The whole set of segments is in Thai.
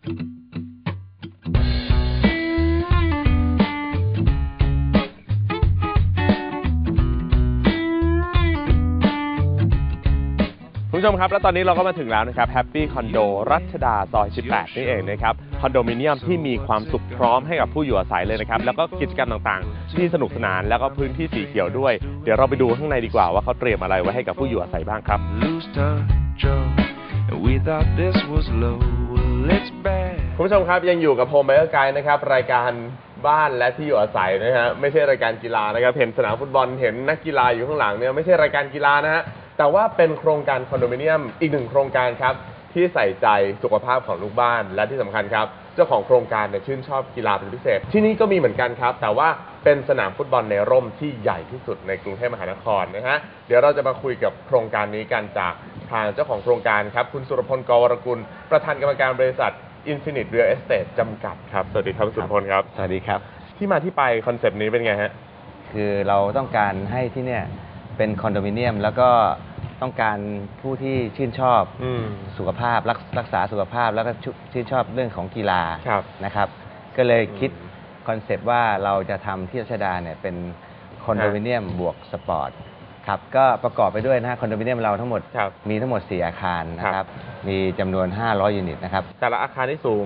คุณผู้ชมครับและตอนนี้เราก็มาถึงแล้วนะครับแฮปปี้คอนโดรัชดาซอย 18 นี่เองนะครับคอนโดมิเนียมที่มีความสุขพร้อมให้กับผู้อยู่อาศัยเลยนะครับแล้วก็กิจกรรมต่างๆที่สนุกสนานแล้วก็พื้นที่สีเขียวด้วยเดี๋ยวเราไปดูข้างในดีกว่าว่าเขาเตรียมอะไรไว้ให้กับผู้อยู่อาศัยบ้างครับคุณผู้ชมครับยังอยู่กับโฮมไบเออร์ไกด์นะครับรายการบ้านและที่อยู่อาศัยนะฮะไม่ใช่รายการกีฬานะครับเห็นสนามฟุตบอลเห็นนักกีฬาอยู่ข้างหลังเนี่ยไม่ใช่รายการกีฬานะฮะแต่ว่าเป็นโครงการคอนโดมิเนียมอีกหนึ่งโครงการครับที่ใส่ใจสุขภาพของลูกบ้านและที่สำคัญครับเจ้าของโครงการเนี่ยชื่นชอบกีฬาเป็นพิเศษที่นี่ก็มีเหมือนกันครับแต่ว่าเป็นสนามฟุตบอลในร่มที่ใหญ่ที่สุดในกรุงเทพมหานครนะฮะเดี๋ยวเราจะมาคุยกับโครงการนี้กันจากทางเจ้าของโครงการครับคุณสุรพล กวรกุลประธานกรรมการบริษัท Infinite Real Estate จำกัดครับสวัสดีครับสุรพลครับสวัสดีครับที่มาที่ไปคอนเซปต์นี้เป็นไงฮะคือเราต้องการให้ที่เนี่ยเป็นคอนโดมิเนียมแล้วก็ต้องการผู้ที่ชื่นชอบสุขภาพรักษาสุขภาพแล้วก็ชื่นชอบเรื่องของกีฬานะครับก็เลยคิดคอนเซปต์ว่าเราจะทำที่รัชดาเนี่ยเป็นคอนโดมิเนียมบวกสปอร์ตครับก็ประกอบไปด้วยนะคอนโดมิเนียมเราทั้งหมดมีทั้งหมด4อาคารนะครับมีจำนวน500ยูนิตนะครับแต่ละอาคารที่สูง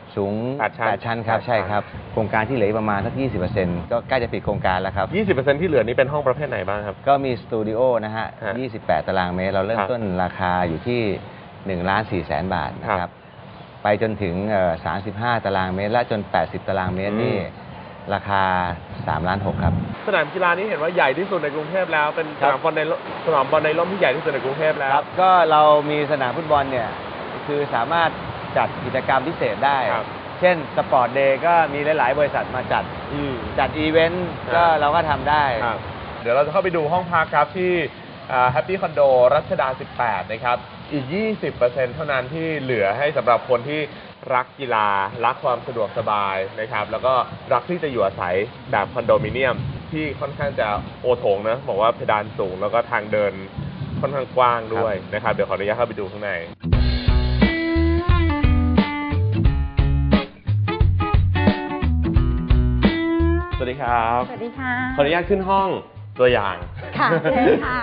8 ชั้นครับใช่ครับโครงการที่เหลือประมาณสัก 20% ก็ใกล้จะปิดโครงการแล้วครับ 20% ที่เหลือนี้เป็นห้องประเภทไหนบ้างครับก็มีสตูดิโอนะฮะ28 ตารางเมตรเราเริ่มต้นราคาอยู่ที่1,400,000 บาทนะครับไปจนถึง35 ตารางเมตรและจน80 ตารางเมตรนี่ราคา3,600,000ครับสนามกีฬานี้เห็นว่าใหญ่ที่สุดในกรุงเทพแล้วเป็นสนามบอลในร่มที่ใหญ่ที่สุดในกรุงเทพแล้วก็เรามีสนามฟุตบอลเนี่ยคือสามารถจัดกิจกรรมพิเศษได้เช่นสปอร์ตเดย์ก็มีหลายๆบริษัทมาจัดอีเวนต์ก็เราก็ทำได้เดี๋ยวเราจะเข้าไปดูห้องพักครับที่แฮปปี้คอนโดรัชดา 18 นะครับอีก 20% เท่านั้นที่เหลือให้สำหรับคนที่รักกีฬารักความสะดวกสบายนะครับแล้วก็รักที่จะอยู่อาศัยแบบคอนโดมิเนียมที่ค่อนข้างจะโอโถงนะบอกว่าเพดานสูงแล้วก็ทางเดินค่อนข้างกว้างด้วยนะครับเดี๋ยวขออนุญาตเข้าไปดูข้างในสวัสดีครับสวัสดีค่ะขออนุญาตขึ้นห้องตัวอย่างค่ะเลยค่ะ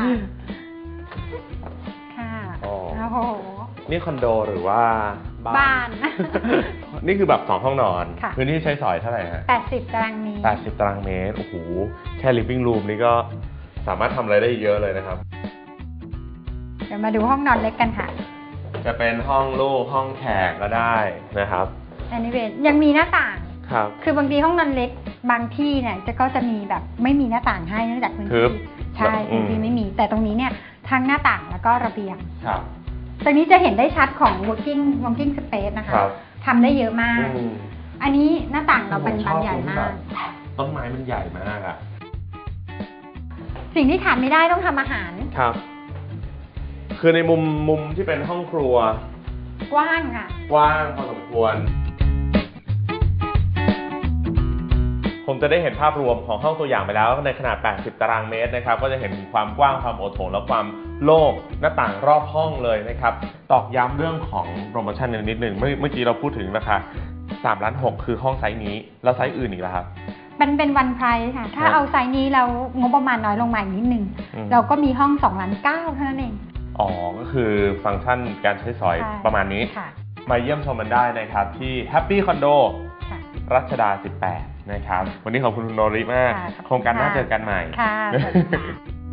ค่ะโอ้โหนี่คอนโดหรือว่าบ้านนี่คือแบบ2 ห้องนอนพื้นที่ใช้สอยเท่าไหร่ฮะ 80 ตารางเมตร 80 ตารางเมตรโอ้โหแค่ living room นี่ก็สามารถทำอะไรได้เยอะเลยนะครับเดี๋ยวมาดูห้องนอนเล็กกันค่ะจะเป็นห้องลูกห้องแขกก็ได้นะครับอันนี้ยังมีหน้าต่างครับคือบางทีห้องนอนเล็กบางที่เนี่ยก็จะมีแบบไม่มีหน้าต่างให้เนื่องจากพื้นที่ใช่พื้นที่ไม่มีแต่ตรงนี้เนี่ยทั้งหน้าต่างแล้วก็ระเบียงครับตรงนี้จะเห็นได้ชัดของ working space นะคะทำได้เยอะมากอันนี้หน้าต่างเราเป็นบานใหญ่มากต้นไม้มันใหญ่มากอะสิ่งที่ขาดไม่ได้ต้องทำอาหารครับคือในมุมที่เป็นห้องครัวกว้างค่ะกว้างพอสมควรผมจะได้เห็นภาพรวมของห้องตัวอย่างไปแล้วในขนาด80 ตารางเมตรนะครับก็จะเห็นความกว้างความโอโถงและความโล่งหน้าต่างรอบห้องเลยนะครับตอกย้ำเรื่องของโปรโมชั่นนิดหนึ่งเมื่อกี้เราพูดถึงราคา3,600,000คือห้องไซส์นี้แล้วไซส์อื่นอีกแล้วครับเป็นวันไพรส์ค่ะถ้าเอาไซส์นี้แล้วงบประมาณน้อยลงมาอีกนิดนึงเราก็มีห้อง2,900,000เท่านั้นเองอ๋อก็คือฟังก์ชันการใช้สอยประมาณนี้มาเยี่ยมชมมันได้นะครับที่ Happy Condo รัชดา 18 นะครับวันนี้ขอบคุณคุณโนริมากโครงการหน้าเจอกันใหม่ค่ะ